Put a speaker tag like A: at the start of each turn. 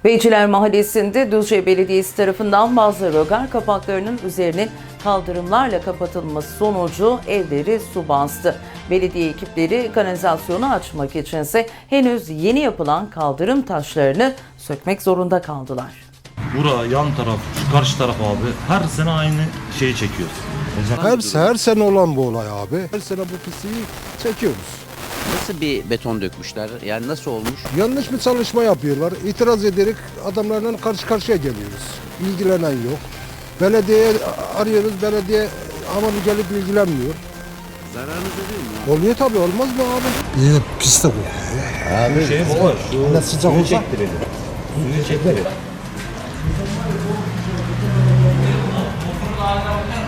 A: Beyciler Mahallesi'nde Düzce Belediyesi tarafından bazı rögar kapaklarının üzerinin kaldırımlarla kapatılması sonucu evleri su bastı. Belediye ekipleri kanalizasyonu açmak içinse henüz yeni yapılan kaldırım taşlarını sökmek zorunda kaldılar.
B: Bura yan taraf, şu karşı taraf abi her sene aynı şeyi çekiyoruz.
C: Her sene olan bu olay abi. Her sene bu pisliği çekiyoruz.
D: Nasıl bir beton dökmüşler? Yani nasıl olmuş?
C: Yanlış bir çalışma yapıyorlar. İtiraz ederek adamlarla karşı karşıya geliyoruz. İlgilenen yok. Belediye arıyoruz. Belediye ama gelip ilgilenmiyor.
D: Zararınız oluyor mu?
C: Oluyor tabii, olmaz mı abi?
E: İyi pis de bu.
B: Abi şey baba,
E: Ne sıcak olsa.
B: Suyu çektirelim.